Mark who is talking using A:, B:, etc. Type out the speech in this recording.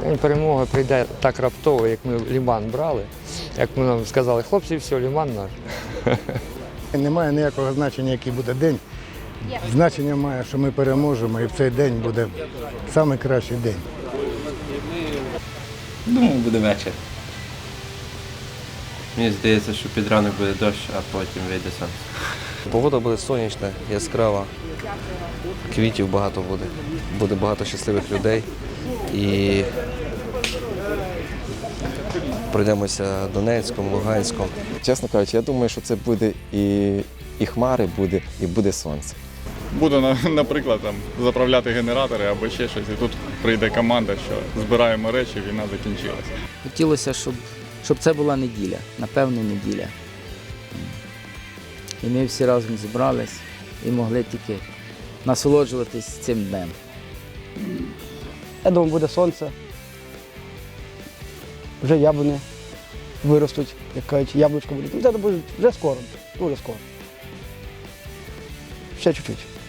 A: Перемога прийде так раптово, як ми Лиман брали, як ми нам сказали, хлопці, все, Лиман наш.
B: Немає ніякого значення, який буде день. Значення має, що ми переможемо, і в цей день буде найкращий день.
C: Думаю, буде вечір. Мені здається, що під ранок буде дощ, а потім вийде сонце.
D: Погода буде сонячна, яскрава, квітів багато буде, буде багато щасливих людей і пройдемося Донецьком, Луганськом.
E: Чесно кажучи, я думаю, що це буде і хмари буде, і буде сонце.
F: Буду, наприклад, заправляти генератори або ще щось, і тут прийде команда, що збираємо речі, війна закінчилася.
G: Хотілося, щоб це була неділя, напевно, неділя. І ми всі разом зібрались і могли тільки насолоджуватись цим днем.
H: Я думаю, буде сонце. Вже яблуни виростуть, як кажуть, яблучко буде. Це буде вже скоро, дуже скоро. Ще чуть-чуть.